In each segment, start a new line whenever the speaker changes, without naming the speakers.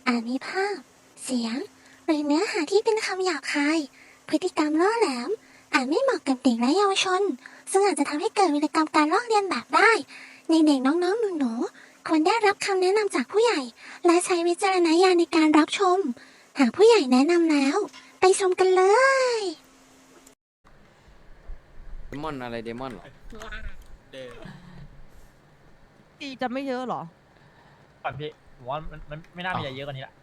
อาจมีภาพเสียงหรือเนื้อหาที่เป็นคำหยาบคายพฤติกรรมล่อแหลมอาจไม่เหมาะกับเด็กและเยาวชนซึ่งอาจจะทำให้เกิดวิกรรมการลอกเลียนแบบได้ในเด็กน้องๆหนูๆควรได้รับคำแนะนำจากผู้ใหญ่และใช้วิจารณญาณในการรับชมหากผู้ใหญ่แนะนำแล้วไปชมกันเลย
เดมอนอะไรเดมอนเหรอ
ตีจะไม่เยอะเหรอ
ก่อนพี่ผมว่ามันไม่น่ามีอะไรเยอะกว่านี้ละ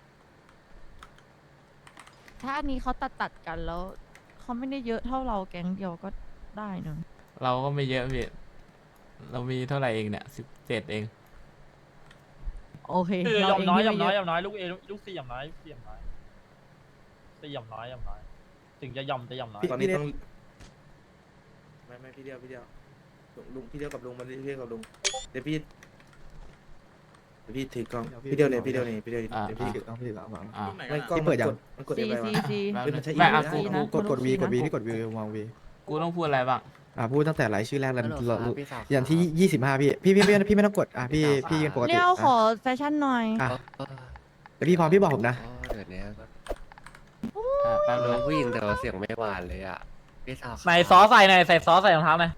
ถ้าอันนี้เขาตัดกันแล้วเขาไม่ได้เยอะเท่าเราแก๊งเดียวก็ได้เนอะ
เราก็ไม่เยอะพี่เรามีเท่าไหร่เองเนี่ย17เอง
โอเค
คือย
เรา
อม
เอง
น้อย
ที่
ยอม
ไม่
น้อย
เย
ย
อะ
อมน้อยลูกเอลูกซียอมน้อยซียอมน้อยซียอมน้อยยอมน้อยถึงจะยอมน้อย
ตอนนี้ต้องไม่พี่เดียวลุงพี่เดียวกับลุงมาเรียกกับลุงเดี๋ยวพี่ถือกล้องพี่เดียวเนี่ยเดี๋ยวพี่ถือกล้อง
อ่า
ไม่กล้องมันกด
ซี
อะไรวะ
ซี
แป๊บนึง
เป็น
ไม่
ใช่
อ่ะ
อี
กู
กนะ
กดวี
ที่กดวีมองวี
กูต้องพูดอะไรบ้าง
พูดตั้งแต่รายชื่อแรกแล้วอย่างที่25พี่ไม่ต้องกดพี่กันปกติ
เรียวขอแฟชั่นหน่อย
แต่พี่พร้อมพี่บอกผมนะ
เดี๋ยวนี้
แป๊บนึ
น้
ง
องผู้หญิงแต่ว่าเสียงไม่หวานเลยอ่ะพี่สาว
ใส่ซอสใส่หน่อยใส่ซอสใส่รองเท้าหน่อย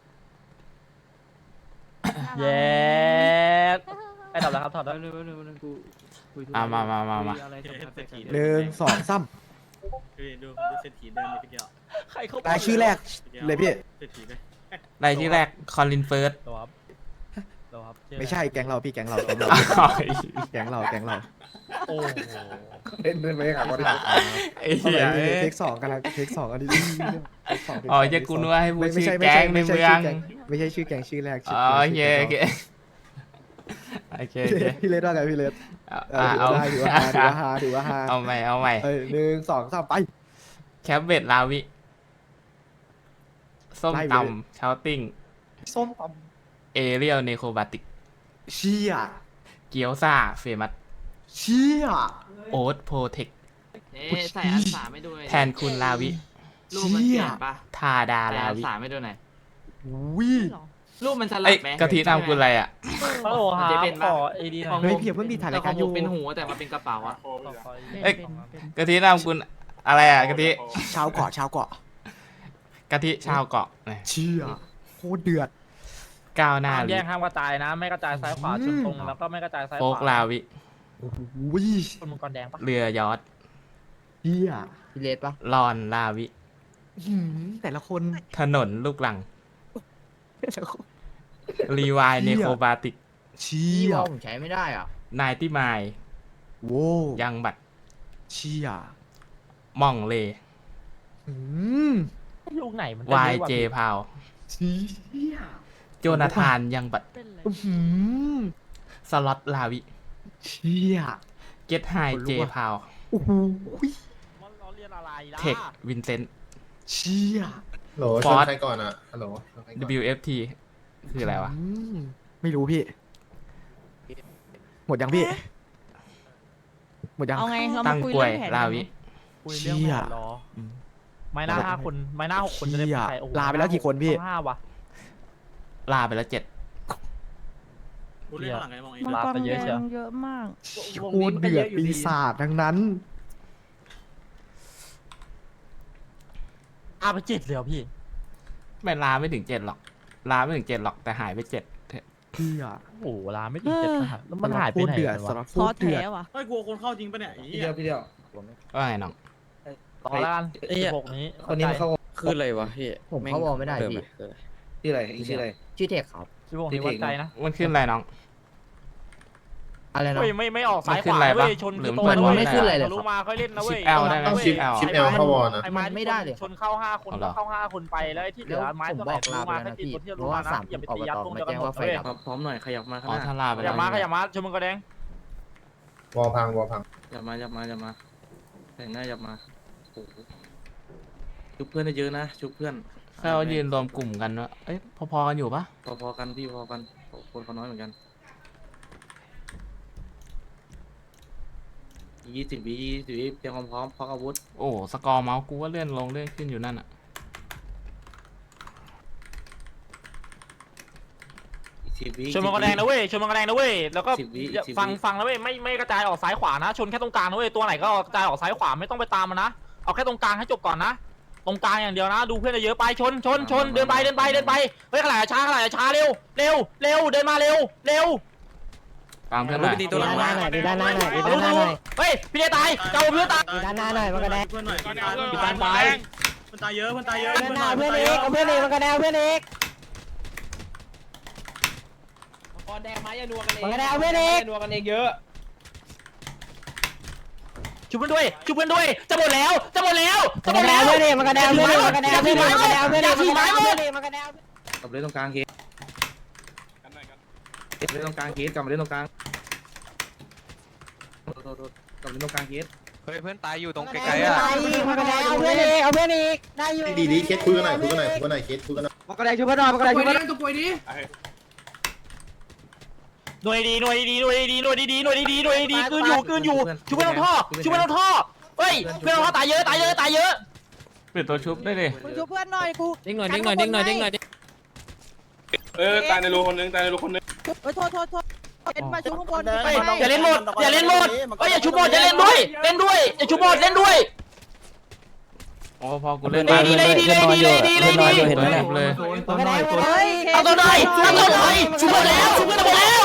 เย้ไอ้ถอดแล้วครับถอดแล้ว
มา
1 2 3
ดูเศรษฐีเดินไปเดียว
ใครเข้า
รายชื่อแรกเลยพี่
เศรษฐีเลย
รายที่แรกคอลินเฟิร์ส
ตัวครับตัวครับ
ไม่ใช่แก๊งเราพี่แก๊งเรา
โอ้โห
เล่นไปหาคน
ไอ้เหี้ย
เทค2กันแล้วเทค2อันนี้
อ๋อจะกูนึกว่าให้พูดชื่อแก๊งในเมือง
ไม่ใช่ชื่อแก๊งชื่อแรก
อ๋อโอเคโอเค
พี่เลสว่าไงพี่เลส
เอา
ถือว่าฮา
เอาใหม่
1 2 3ไป
แคปเวทลาวิส้มตำชาวติ้ง
ส้มต
เอเรียลเนโคบาติก
ำเชี่ย
เกียวซ่าเฟมัส
เชี่ย
โอ๊ตโพเทค
ใส่อันสามไม่ดูเลย
แทนคุณลาวิ
รูปมันเปลี่ยนปะ
ทาดา
ใส่
ลา
อัน
วิ
สามไม่ดูหน่อย
วิ
รูปมันสลั
เอ้
บ
ย
ไหม
กะทินำคุณอะไรอ่ะ
ฮัลโหลหา
จะเป็น
ข
ปะ
อเอดีหน่
ข
อ
อย ง
เฮ้ยพี่อย่าเพิ่งมีถ่ายรายการอยู่
เป็นหูแต่มันเป็นกระเป๋าอะ
เอ้ย
เป็น
กะทินำคุณอะไรอ่ะกะทิ
ชาวเกาะ
กะทิชาวเกาะ
เชี่ยโคตรเดือด
ก้าวหน้า
ห้าม
ลิ
แยกห้ามกระจายนะ ไม่กระจายซ้ายขวาชนตรงแล้วก็ไม่กระจายซ้ายข
โฟ
วาก
ลาวิ
โอ้โห
คนมังกรแดงปะ
เรือยอท
เชี่ย
พี่เลสปะ
ลอนลาวิ
แต่ละคน
ถนนลูกหลัง รีวายเนโคบาติก
เชี่
พี่
ย
ว่าผมใช้ไม่ได้อ่ะ
นายที่มาย
โว้
ยังบัตร
เชี่ย
ม่องเล
อืม
ลูกไหนมัน
วายเจพาว
เชี่ย
โจนาธานยังบัตร
เป็นเลย
อืม
สล็อตลาวิ
เชี่ย
เกตไฮ
คนลุก
เจ
ว่ะ
พาว
โอ้โห
เราเรียนอะไรล่ะ
เทควินเซนต์
เชี่ย
ฮัลโหล
ฟอร์ส
ชนใครก่อนอ่ะฮัลโหลชนใครก่อน
WFT คืออะไรวะ
ไม่รู้พี่ หมดยังพี่ หมดยัง
เอาไงเรา
ตั้
มาง คุย
กล้วย
เรื่องแผน
ลา
กันไหม
วิ
คุยเรื่องแผนรอไม่น่า5 คนไม่น่า6 คนจะได้
เชี่ย
ใครโอ้โห
ลาไปแล้วกี่คนพี่
ต้อง5ว่ะ
ลาไปแล้ว7
พูดเรื่องข้างหลังไงมองเอง
มัง
ลาก
ร
ไปเยอะเชียว
เยอะมาก
โคตรเดือดปีศาจทั้งนั้น
ไป7เลยเหรอพี่
ไม่ลาไม่ถึง7หรอก ลาไม่ถึง7หรอกแต่หายไป7
เชี่ย
โอ้โหลาไม่ถึง7ขนาดแล้วมันหายไปไหน
โคตรเดือด
กัน
สำห
วะ
รับโค
ท้อ
ตรเดื
แท้
อด
ว่ะ
ไม่กลัวคนเข้าจริงปะเนี่ยไอ้เหี้ย
พี่เดียว
ว่าไงน้อง
ต่อแล้วกัน16นี้
คนนี้มันเข้า
คืออะไรวะพี่
ผมเข้าวอลไม่ได้พี่
ชื่ออะไรอีกชื่ออะไร
ชื่อเทคครับ
16นี้วัดใจนะ
มันขึ้นอะไรน้อง
อะไรนะ
เฮ้ยไม่ออกซ้าย
มัน
ข
ขึ้น
วา
อะไร
เว้
ปะ
ยชน
หรือ
โต
มัน
ว้ย
ไม่ขึ้นอะไรเลย
รู้มาค่อยเล่นนะเว้ย
ชิป L ได้ไหม
ต้องชิป L เข้าวอลนะ
ไอ้ไม้
มันไม่ได้เลย
ชนเข้า5 คน
เอาเหร
ก็
อ
เข้า5 คนไปแล้วไอ้ที่เหลือไม้
ผม
ตัว
บ
ไหน
อกลา
รู้
ไป
มา
แล้ว
ให้
นะ
ตี
พี่
ตัวที่
เพ
รู้
ราะ
มา
ว่า
นะ
สาม
อย่าไป
อบ
ตียัด
ต
ตรง
มา
เดียว
แจ้
กัน
ง
หมด
ว่าไฟ
เว้ย
ดับ
พร้อมหน่อยขยับมาข้าง
อ๋อ
หน้า
ถ้าลาไป
อ
แล้
ย่าว มาขยับมาชนมันก็แดง
วอลพังวอลพัง
อย่ามาแต่งหน้าอย่ามาโอ้โหชุบเพื่อนได้เยอะนะชุบเพื่อน
แค่ว่ายืนรวมกลุ่มกันว่าเอ้ยพอๆกันอยู่ปะ
พอๆกันพี่พอกันคนเขาน้อยเหมือนกัน20 วิเตรียมความพร้อมพกอาวุธ
โอ้สกอร์เมาส์กูว่าเลื่อนลงเลื่อนขึ้นอยู่นั่นอ่ะ
อีก
10 วิ
ชนมังกรแดงนะเว้ยชนมังกรแดงนะเว้ยแล้วก็
10 วิ
ฟังนะเว้ยไม่กระจายออกซ้ายขวานะชนแค่ตรงกลางนะเว้ยตัวไหนก็กระจายออกซ้ายขวาไม่ต้องไปตามมันนะเอาแค่ตรงกลางให้จบก่อนนะตรงกลางอย่างเดียวนะดูเพื่อนเยอะไปชนเดินไปเฮ้ยขลายช้าเร็วเดินมาเร็ว
ตามเพื่อนหน่อย
ตัวหลังมา
เฮ้ยพี่เดตายเจ้าเพื่อนตาย
ด้านหน้าหน่อยมันก็ได้
พี่ตาย
มันตายเยอะมันตายเยอะ
เพื่อนเอกเอาเพื่อนเอกมันก็ได้เพื่อนเอก
ก่อนแดงไม้อย่านัวกันเอง
มันก็ได้เอาเพื่อนเอก
นัวกันเองเยอะ
ชุบเพื่อนด้วยจะหมดแล้ว
มันก็ได้เพื่อนเอกมันก็ได้เพื่อนเอกมันก็ได้เพื่อนเอกมันก็ได้เพื่อนเอกมันก็ได้เพื่อนเอกมันก็ได้
กลับมาเล่นตรงกลางเคสเล่นตรงกลางเคสกลับมาเล่นตรงกลางโทษกลับมาเล่นตรงกลางเคส
เฮ้ยเพื่อนตายอยู่ตรงไก
ไก
ล
ล
ๆอ่ะ
มันก็ได้เอาเพื่อนเอกเอาเพื่อนเอกได้อยู่
ดีเคสคุยกันหน่อยเคสคุยกันหน่อย
มันก็ได้ช่วยเพื่อนหน่อยมันก็ได้ช่วยเพื่อน
หน่วยดีคืนอยู่ชุบเพื่อนท่อเฮ้ยเพื่อนท่อตายเยอะ
ปิดตัวชุบได้ดิ
มึงช่วยเพื่อนหน่อยกู
เด้งหน่อย
ตายในรูคนนึงตายในรูคนนึง
โทษเอ็นมาช่วยข้างบน
เฮ้ยอย่าเล่นหมดเฮ้ยอย่าชุบหมดอย่าเล่นด้วยอย่าชุบหมดเล่นด้วย
โอ้พอกูเล่น
ดี
ได้เพื่อนตัวชุบเลย
มันก็ได้เพื่อนเอก
เอาตัวหน่อยชุบหมดแล้วชุบเลย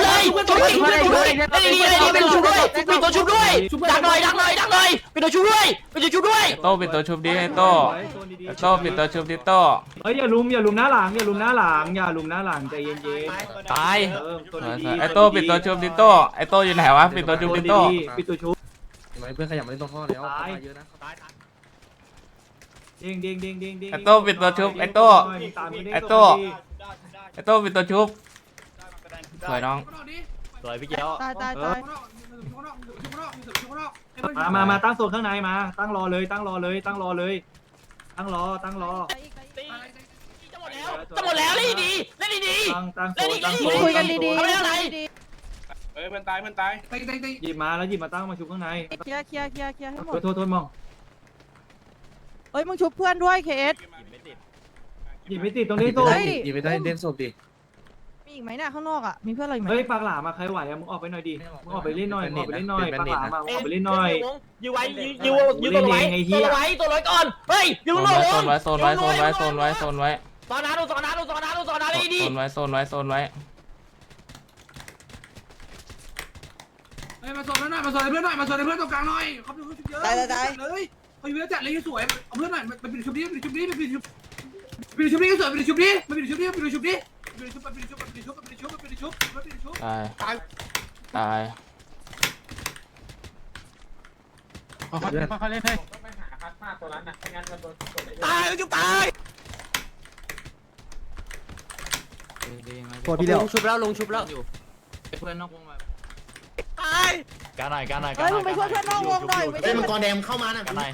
เป็นชุบด้วยเป็นตัวชุบด้วยดักหน่อยเป็นตัวชุบด้วย
โต้ปิดตัวชุบดิไอ้โต้ปิดตัวชุบดิโต้
เฮ้ยอย่าลุมหน้าหลังใจเย็น
ตาย
ตัวดี
ไอ้โต้ปิดตัวชุบดิโต้ไอ้โต้อยู่ไหนวะปิดตัวชุบดิโต้
ปิดตัวชุบ
เห็นไหมเพื่อนขยับมาเล่นตรงท่อแล้วตายเยอะนะ
เด้ง
ไอ้โต้ปิดตัวชุบไอ้โต้ไอ้โต้ปิดตัวชุบสวยน้อง
สวยพี่เจ้า
ตาย
มาตั้งโซนข้างในมาตั้งรอเลยตั้งรอเล่นดีตั้งโซน
คุยกันดี
เอาไปอะไร
เฮ้ยเพื่อนตายหยิบมาตั้งมาชุบข้างใน
ๆเคลียร์ให้หมด
โทษมอง
เอ้ยมึงชุบเพื่อนด้วยเคส
หยิบไม่ติดตรงนี้โซน
หยิบไปได้เล่นศพดิ
มีอีกไหมเนี่ยข้างนอกอ่ะมีเพื่อนอะไรอีกไหม
เฮ้ยปากหลามาใครไหวอะมึงออกไปหน่อยดิมึงออกไปเล่นหน่อยปากหลามาออกไปเล่นหน่อย
ยื้อไว้ตัวไว้ก่อนเฮ้ยยื้อหน่อย
โซนไว้ตอนนั้นดี
โซนไว้
มาสอนเพื่อนหน่อยมาสอนเพื่อนตรงกลางหน่อยเขาเป็นคนชุบเยอะเลยเขาอยู่เยอะจัดเลยสวยเอาเพื่อนหน่อยมันเป็นชุบนี้สวยมันเป็นชุบนี้
ตาย
เขาเล่นให้
ตายจุ๊บตาย
ตัวพี่เดียว
ลงชุบแล้ว
เพื่อนนอกวงมา
ตายการหน่อย
เฮ้ยมึงไปช่วยเพื่อนนอกวงหน่อย
เฮ้ยมังกรแดงเข้ามานะ
การหน่อย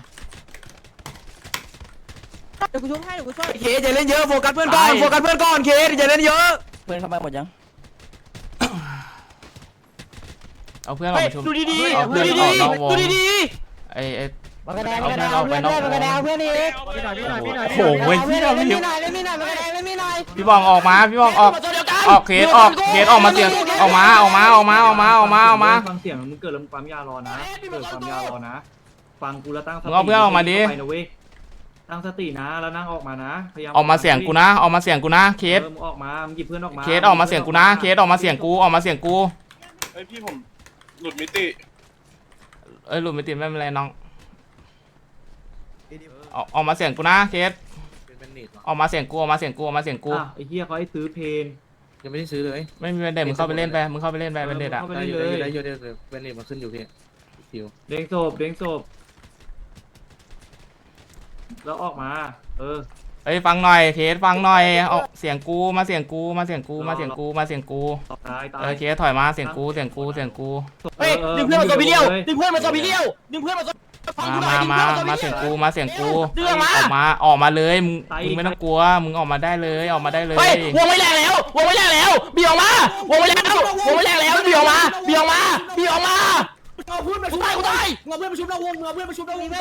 เดี๋ยวกูช่วยให้เดี๋ยวกูช่วย
เคสอย่าเล่นเยอะโฟกัสเพื่อนก่อนเคสอย่าเล่นเยอะ
เพื่อนเข้ามาหมดยัง
เอาเพื่อนออกมาชุบ
ดูดี
เอาเพื่อนออกนอกวง
ดี
ไอ้
มันก็ได้มันก็ได้เอาเพื่อนด้วยมันก็ได้เอาเพื่อนเอก
โอ้โห
เพื่อนเอก
พี่
เล่นมีหน่อยมันก็ได้เล่นมีหน่อย
พี่บองออกมาพี่บองออกเคสออกมาเสียงออกมา
ฟังเสียงมึงเกิดแล้วมึงปั๊มยารอนะฟังกูแล้วตั้งสติ
มึงเอาเพื่อนออกมาดิ
ไปนะเว้ยตั้งสตินะแล้วนั่งออกมานะพยายาม
ออกมาเสียงกูนะเคส
มึงออกมามึงหยิบเพื่อนออกมา
เคสออกมาเสียงกูนะเคสออกมาเสียงกู
เฮ้ยพี่ผมหลุดมิติ
หลุดไม่ติดไม่เป็นไรน้องออกมาเสียงกูนะเคส
เป็นเน็ตหรอ
ออกมาเสียงกู
ไอ้เหี้ยเขาให้ซื้อเพน
ยังไม่ได้ซื้อเลย
ไม่มีเป็นเด็ดมึงเข้าไปเล่นไปเป็นเด็ดอ่ะ
ได้อยู่เป็นเน็ตมาขึ้นอยู่พี่คิว
เด้งศพแล้วออกมา
เฮ้ยฟังหน่อยเคสฟังหน่อยเอาเสียงกูมาเสียงกู
ตาย
เคสถอยมาเสียงกู
เฮ้ยดึงเพื่อนมาตัวพี่เลี้ยวดึงเพื่อนมาตัวพี่เลี้ยวฟังกูหน่อย
มาเสียงกูออกมาเลยมึงไม่ต้องกลัวมึงออกมาได้เลย
เฮ้ยวงไว้แรงแล้วบีออกมาวงไว้แรงแล้วบีออกมากูตายมึงเอาเพื่อนมาชุบนอกวงมึงเอาเพื่อนมาชุบนอกวงมึง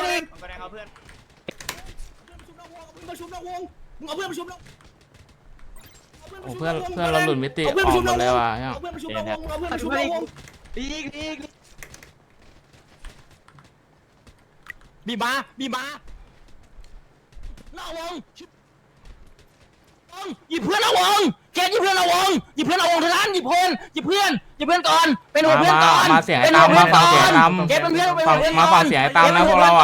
เอาเพื่อนมาชุบนอกวง
โอ้เพื่อนเราหลุดมิติออกหมดเลยว่ะเนี่ย
เพื่อนประชุมเราวงเอาเพื่อนประชุมเราวง
บีมาหน้าวงหยิบเพื่อนเอาวงเกตหยิบเพื่อนเอาวงเท่านั้นหยิบเพื่อนก่อนเป็นหัวเพื่อนก่อน
มาเสียงไอ้ตามมาฟังเสียงไอ้ตาม
เกตเป็นเพื่อน
มาฟังเสียงไอ้ตามนะพวกเราอ่ะ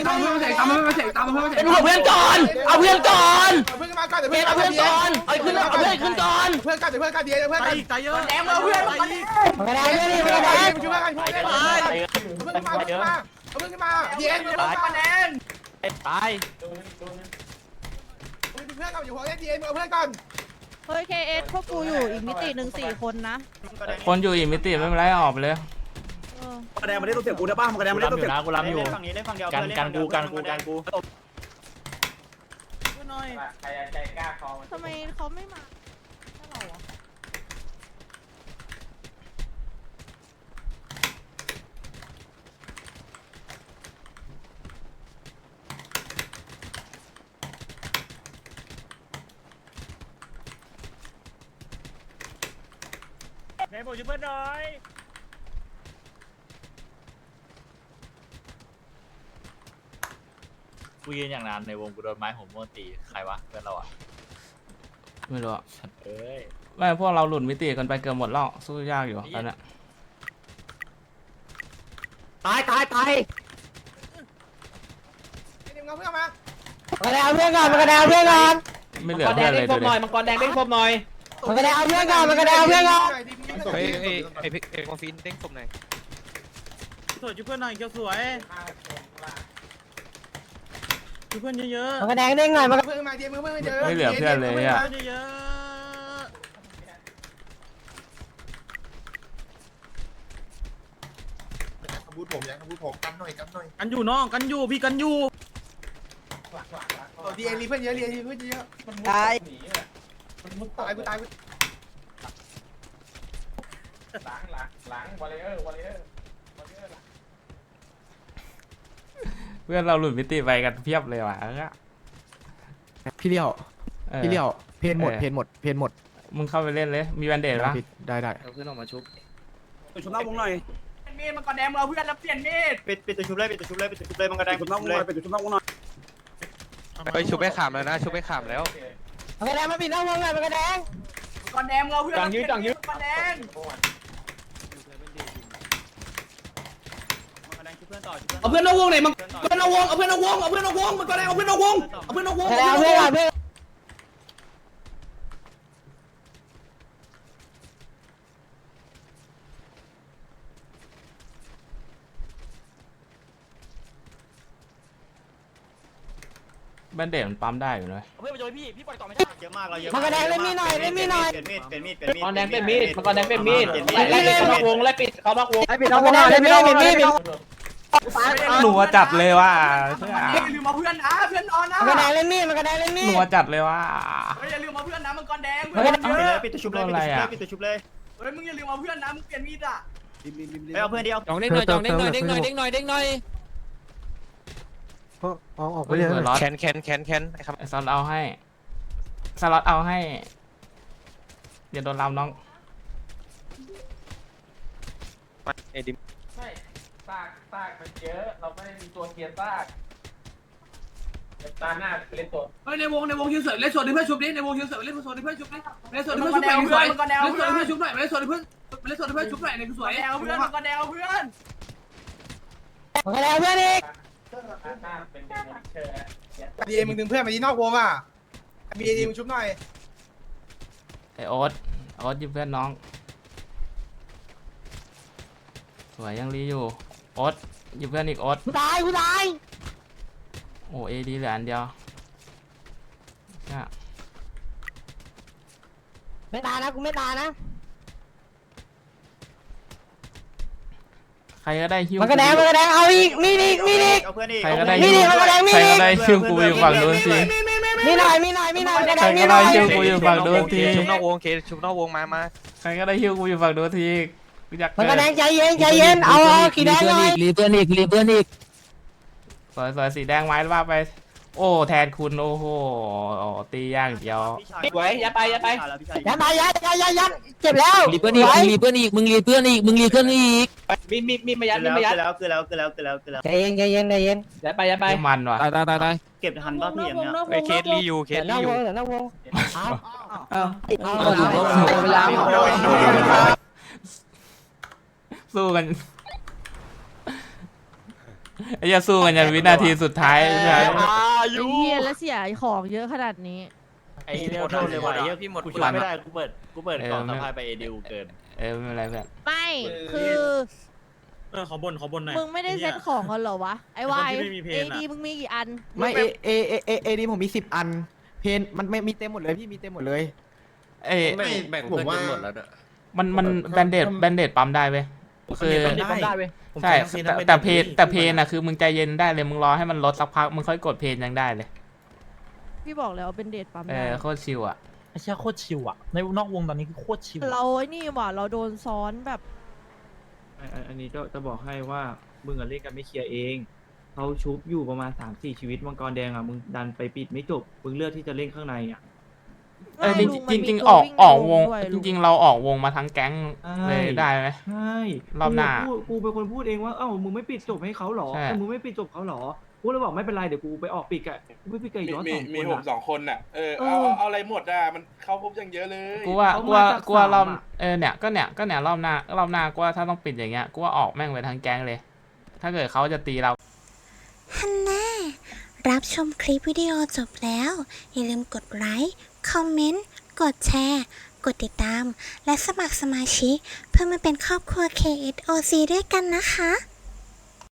เป็นหัวเพื่อนก่อนเอาเพื่อนก่อนเกตเอาเพื่อนก่อนเอาเพื่อนขึ้นก่อน
เพื่อนกันเดี๋ยวเพื่อนกันเดี๋ยวเพื่อนกันใจเยอะแดงเอาเพื่อนมา
มันกระแดงเพื่อนนี่มันกระแดง
ช่วยกันช่วยกันเอาเพื่อนขึ้นมาเย็นเพื่อนมาแดง
ตาย
เพื่อนกันอยู่หัวเย็นเอาเพื่อนกัน
เฮ้ย KS พวกกูอยู่อีกมิติหนึ่ง4 คนนะ
คนอยู่อีกมิติไม่เป็นไรออกไปเลย
เออ
กระแดงมาได้ตัวเสียกูได้ป่ะกระแดงมาได้ตัวเสีย
กูรับอยู่กันกู
ทำไมเขาไม่มาให้เราอ่ะ
ไหนบอกช่วยเพื่อนหน่อยกูยืนอย่างนั้นในวงกูโดนไม้หัวม้วนตีใครวะเพื่อนเราอ่ะ
ไม่รู้อะ
เอ้ย
ไม่พวกเราหลุดมิติกันไปเกือบหมดแล้วสู้ยากอยู่ตอนเนี้ย
ตาย
เดี๋ยวเอาเพื่อนมา
มันกระแดงเพื่อนก่อนมันกระแดงเพื่อนก่อน
ไม่เหลือเพื่อนเลยดูดิ
มังกรแดงเด้งครบหน่อยมันกระแดงเพื่อนก่อนมันกระแดงเพื่อนก่อน
เฮ้ยไอ้คอนฟินเด้งศพหน่อย
สวยช่วยเพื่อนหน่อยเกียวสวยช่วยเพื่อนเยอะ
มันกระแดงเด้งหน่อยมัน
เพื่อนมาเดี๋ยวเพื่อนเดี๋ยว
ไม่เหลือเพื่อนเลยอ่ะ
เยอะ
บูทผมยังบูทผมกันหน่อย
กันอยู่น้องกันอยู่พี่กันอยู่
ดีเอ็นรีเพื่อนเยอะเรียนเพื่อนเยอะ
ตาย
ตายกูตาย
เพื่อนเราหลุดมิติไปกันเพียบเลยว่ะ
พี่เลี้ยว
ออ
พี่เลี้ยวเพนหมด
เออ
เพนหมด
มึงเข้าไปเล่นเลยมีแบนเดดปะ
ได้
เอาเพื่อนออกมาชุบ
ชุบหน้าวงหน่อยมีดมันกระแดงเราเพื่อนแล้วเปลี่ยนมีดปิดตัวชุบเลยมันกระแดงชุบหน้าวงหน่อยปิดตัวชุบหน้าวงหน่อย
ไปชุบไปขามแล้วนะชุบไปขามแล้ว
มันกระแดงมาปิดหน้าวงหน่อยมันกระแดง
กระแดงเราเพื่อนจังยืดกระแดง เอาเพื่อนนอกวงหน่อยมันเพื่อนนอกวงเอาเพื่อนนอกวงมันก็ได้เอาเพื่อนนอกวง
กระแดงเพื่อนก่อนเพื่อน
แบนเดดมันปั๊มได้อยู่เลย
เพื่อนมาช่วยพี่ปล่อยต่อไม่ได้เยอะมากเราเยอะ
มันกระแดงเล่นมีดหน่อยเล่นมีดหน่อย
มังกรแดงเป็นมีดไล่ปิดเขานอกวงไล่ปิดเขานอกวง
ปิดหน้าวงหน่อยเล่นมีดปิด
หนัวจัดเลยว่ะ
อย่าลืมมาเพื่อนนะเพื่อนนอนนะ
มันกระแดงเล่นมีดมันกระแดงเล่นมีด
หนัวจัดเลยว่ะ
อย่าลืมมาเพื่อนนะมังกรแดง
มันกระแดง
ปิดตัวชุบเลย
เฮ้ยมึงอย่าลืมมาเพื่อนนะมึงเปลี่ยนมีดอ่ะ
ไปเอาเพื่อนเดียว
จองเด้งหน่อยเด้งหน่อย
ออกไปเลย
แคนไอ้ครับ
ไอ้ซอสเอาให้สล็อตเอาให้อย่าโดนลำน้อง
ไอ้ดิม
ซากมันเยอะเราไม่ได้มีตัวเกียร์ซากตาหน้าเล่นตัว
เฮ้ยในวงคิวเสือเล่นส่วนที่เพื่อนชุบดิในวงคิวเสือเล่นส่วนที่เพื่อนชุบดิเล่นส่วนที่เพื่อนชุบหน่อยสวยเล่นส่วนที่เพื่อนชุบหน่อยเล่นส่วนที่เพื่อนชุบหน่อยในสวยเอาเพื่อนมังกรแดงเอาเพื่อน
มันกระแดงเพื่อนอีก
ดีมึงดึงเพื่อนมาที่นอกวงอ่ะดีมึงชุบหน่อย
ไอโอ๊ตหยิบเพื่อนน้องสวยยังรีอยู่โอ๊ตหยิบเพื่อนอีกโอ๊ต
กูตาย
โอ้เอดีเหลืออันเดียวเนี่ย
ไม่ตายนะกูไม่ตายนะ
ใครก็ได้ฮิว
มันกระแดงเอาอีกมีดอีก
เอาเพื่อนอีก
ใครก็ได้
มี
ฮิ
ดิ
ว
มันกระแดงมีดิ
ใครก็ได้ฮิวกูอยู่ฝั่งนู้นสิ
มีหน่อยกระแด
ใครง
มี
ก็
หน่
ได้
อย
ฮิวกูอยู่ฝั่งนู้นที
ชุบนอกวงชุบนอกวงมา
ใครก็ได้ฮิวกูอยู่ฝั่งนู้นทีกูอยาก
มันกระแดงใจเย็นเอาขีแดงหน่อย
สวยสีแดงไม้ว่าไปโอ้แทนคุณโอ้โหตีอย่างเดียว
ไว้ยัดไปยัดไป
ยัดมายัดเจ็บแล้ว
รีเพื่อนอีกมึงรีเพื่อนอีกมึงรีเพื่อนอีกมึงรีเพื่อนอีกมีมายัดมีมายัด
ใจเย็น
ยัดไปยัดไป
ไม่มันว่ะ
ตาย
เก็บทันป่ะพี่อย่างเงี้ย
ไอ้เคสรีอยู่เคสรีอยู่
เดี๋ยวหน้าวง
สู้กันไอ้จะสู้กันยันวินาทีสุดท้ายใช่ไหม
ไอ้เหี้ยแล้วเสียของเยอะขนาดนี้
ไอ้เร็วโทษเลยว่ะไอ้เหี้ยพี่หมดกูช่วยไม่ได้กูเปิดกล่องสะพายไปเอดิวเกิน
ไม่เป็นไรเพื่อน
ไม่คือ
ขอบนหน่อย
มึงไม่ได้เซ็ตของกันเหรอวะไอ้วาย
คนที่ไม่มีเพล
เอง
อะ
ดีมึงมีกี่อัน
ไม่เอดีผมมี10 อันเพนมันไม่มีเต็มหมดเลยพี่มีเต็มหมดเลย
เอ้ย
แบ่งผมว่า
มันแบนเดดปั๊มได้เว้ยคือ
ได้เว้ย
ใช่แต่เพนอะคือมึงใจเย็นได้เลยมึงรอให้มันลดสักพักมึงค่อยกดเพนยังได้เลย
พี่บอกแล้วเป็นเดทปั๊มได้
โคตรชิวอ่ะ
ไอ้เชี่ยโคตรชิวอะในนอกวงตอนนี้คือโคตรชิว
เราไอ้นี่ว่ะเราโดนซ้อนแบบ
อันนี้จะบอกให้ว่ามึงเล่นกันไม่เคลียร์เองเขาชุบอยู่ประมาณ 3-4 ชีวิตมังกรแดงอ่ะมึงดันไปปิดไม่จบมึงเลือกที่จะเล่นข้างในอ่ะ
จริงๆออกวงจริงๆเราออกวงมาทั้งแก๊งเลยได้ไหม
ใช่
รอบหน้า
กูเป็นคนพูดเองว่าเอ้ามึงไม่ปิดจบให้เขาหรอ
ใช่
แต่มึงไม่ปิดจบเขาหรอกูเลยบอกไม่เป็นไรเดี๋ยวกูไปออกปิดอะกูไปปิดกับอีกยอด2 คน
มีผม2 คนน่ะเอาอะไรหมดอ่ะมันเข้าครบยังเยอะเลย
กูว่ารอบเนี่ยรอบหน้ากูว่าถ้าต้องปิดอย่างเงี้ยกูว่าออกแม่งไปทั้งแก๊งเลย ถ้าเกิดเขาจะตีเรา
ฮันน่ารับชมคลิปวิดีโอจบแล้ว อย่าลืมกดไลค์ คอมเมนต์ กดแชร์ กดติดตาม และสมัครสมาชิกเพื่อมาเป็นครอบครัว KSOC ด้วยกันนะคะ